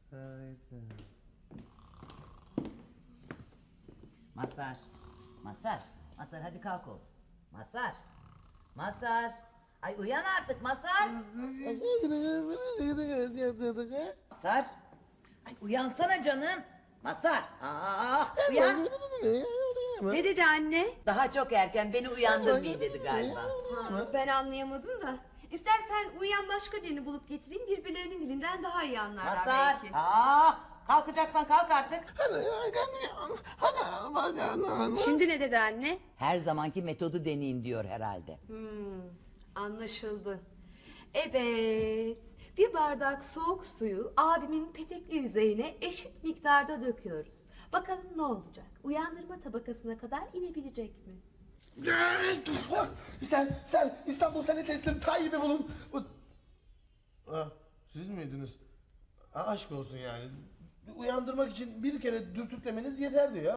Mazhar. Mazhar. Mazhar hadi kalk oğlum. Mazhar. Mazhar. Ay uyan artık Mazhar. Mazhar. Ay uyansana canım. Mazhar. Uyan. Ne dedi anne? Daha çok erken beni uyandırmayın dedi galiba. Ben anlayamadım da. İstersen uyuyan başka birini bulup getireyim, birbirlerinin dilinden daha iyi anlarlar Mazhar. belki. Kalkacaksan kalk artık. Şimdi ne dedi anne? Her zamanki metodu deneyin diyor herhalde. Anlaşıldı. Evet, bir bardak soğuk suyu abimin petekli yüzeyine eşit miktarda döküyoruz. Bakalım ne olacak? Uyandırma tabakasına kadar inebilecek mi? Sen İstanbul seni teslim Tayyip'i bulun. Siz miydiniz? Aşk olsun yani. Uyandırmak için bir kere dürtüklemeniz yeterdi ya.